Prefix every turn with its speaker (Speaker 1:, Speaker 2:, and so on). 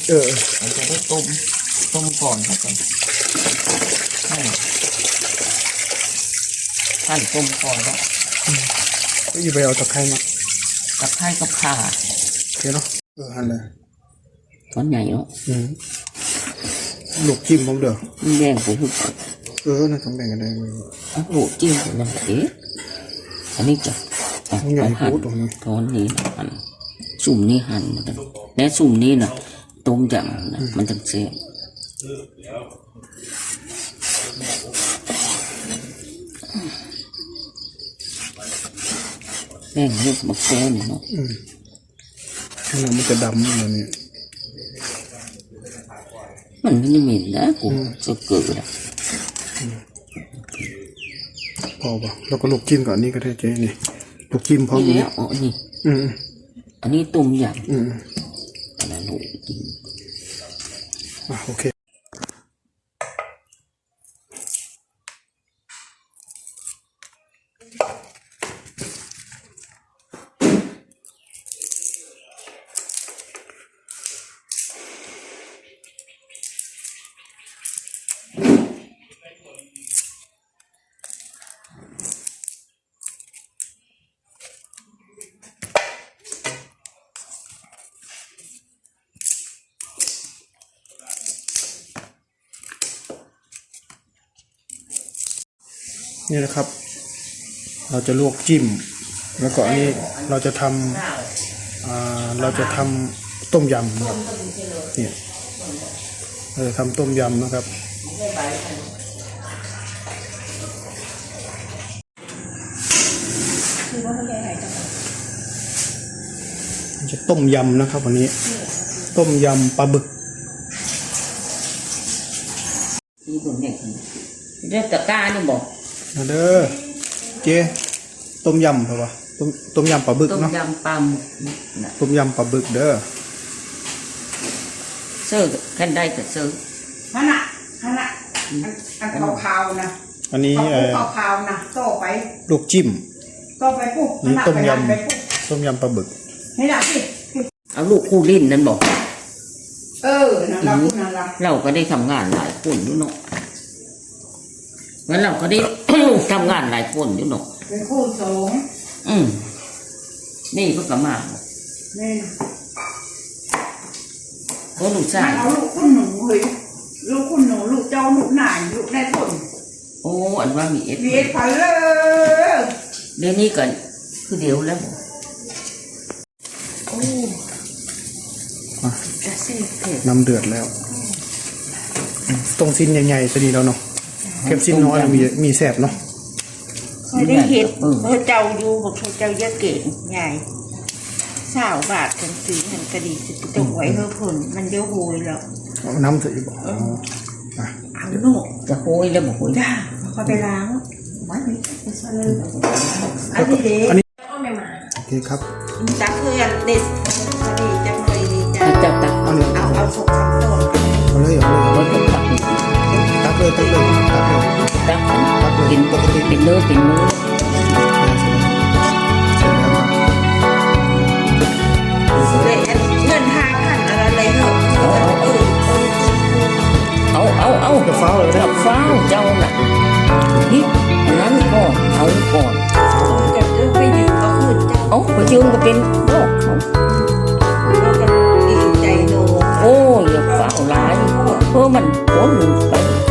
Speaker 1: เราจะได้ต้มก่อนครับหั่นต้มก่อนแล้ว
Speaker 2: ก็อยู่ไปเอาตะไคร้มา
Speaker 1: ตะไคร้กับข่า
Speaker 2: เดี๋ยวเนาะหั่นเลย
Speaker 1: ช้อนใหญ่เนาะ
Speaker 2: ลูกจิ้มผมเด้อ
Speaker 1: แดงผม
Speaker 2: น่าต้องแบ่งกันได้
Speaker 1: ลูกจิ้มผมนะอันนี้จะ
Speaker 2: ใหญ่
Speaker 1: หั่นช้อนนี้หั่นสุ่มนี้หั่นกันและสุ่มนี้นะต้มยำนะมันจะเสียแป้งลูกมะแก้วเนาะ
Speaker 2: มันจะดำแบบนี้
Speaker 1: มันไม่เหม็นนะกูจะเกิดอ่ะ
Speaker 2: พอป่ะแล้วก็ลูกจิ้มก่อนนี่ก็ได้เจ๊นี่ลูกจิ้มพร้อม
Speaker 1: นี่อ๋อนี่อันนี้ต้มยำอันนั้นลูกจิ้ม
Speaker 2: โอเคนี่นะครับเราจะลวกจิ้มแล้วก็อันนี้เราจะทำต้มยำครับนี่เราจะทำต้มยำนะครับจะต้มยำนะครับวันนี้ต้มยำปลาบึก
Speaker 1: นี่ผมเนี่ยเรื่องตะกร้านี่บอก
Speaker 2: มาเด้อเจ๊ต้มยำเหรอวะต้มยำปลาบึกเนาะ
Speaker 1: ต้มยำปลาบึก
Speaker 2: ต้มยำปลาบึกเด้อ
Speaker 1: เสิร์ฟกันได้แต่เสิร์ฟ
Speaker 3: อันขาวๆนะ
Speaker 2: อันนี้
Speaker 3: ขาวๆนะโต้ไป
Speaker 2: ลูกจิ้ม
Speaker 3: โต้ไปปุ๊บ
Speaker 2: นี่ต้มยำปลาบึก
Speaker 3: ให้ได้สิ
Speaker 1: เอาลูกคู่ลิ้นนั่นบอก
Speaker 3: นั่น
Speaker 1: เราก็ได้ทำงานหลายคนอยู่เนาะงั้นเราก็ได้ ทำงานหลายคนอยู่เนาะ
Speaker 3: เป็นคู่สอง
Speaker 1: นี่ก็กลับมา
Speaker 3: นี่
Speaker 1: ก็ลูกชาย
Speaker 3: เอาลูกคุณหนูเฮ้ยลูกคุณหนูลูกเจ้าลูกหน่ายลูกในผล
Speaker 1: โอ้อันว่ามีเอส
Speaker 3: ไปเลย
Speaker 1: เดี๋ยวนี้กันคือเดี๋ยวแล้วโอ้
Speaker 2: น้ำเดือดแล้วตรงสิ้นใหญ่ๆจะดีแล้วเนาะเก็บสิ้นน้อยมีแสบเนาะ
Speaker 3: ไม่ได้เห็ดเจ้าอยู่บอกเจ้าเยอะเก่งใหญ่20 บาทกันซื้อหันกระดีจะตกไว้เพื่อผลมันเยอะโวยแล้ว
Speaker 2: น้ำใส่บอก
Speaker 3: เอาหนู
Speaker 1: จะโหยแล้วบอกโหย
Speaker 3: จ้าเขาไปล้างวัดนี้ไปซะเลยอันนี้เด็กเอาไม่มา
Speaker 2: โอเคครับ
Speaker 3: จักเพื่อนเด็ดดีจังเลยดี
Speaker 1: จับตัก
Speaker 3: เอาสุกสับต้น
Speaker 2: เอาเลยตักเลย
Speaker 1: กินปกติเป็นเนื้อเงิน
Speaker 3: 5,000อะไรเลยเหรอ
Speaker 1: เอา
Speaker 2: กับฟ้าเลย
Speaker 1: กับฟ้าเจ้าน่ะนี่นั้นก็เอาก่อน
Speaker 3: จะไปยืมก็ขึ้นเจ้า
Speaker 1: ไปยืมก็เป็นโรคเขา
Speaker 3: ดีใจโน
Speaker 1: โอ้ยอย่าฟ้าร้ายเพราะมันพ้นไป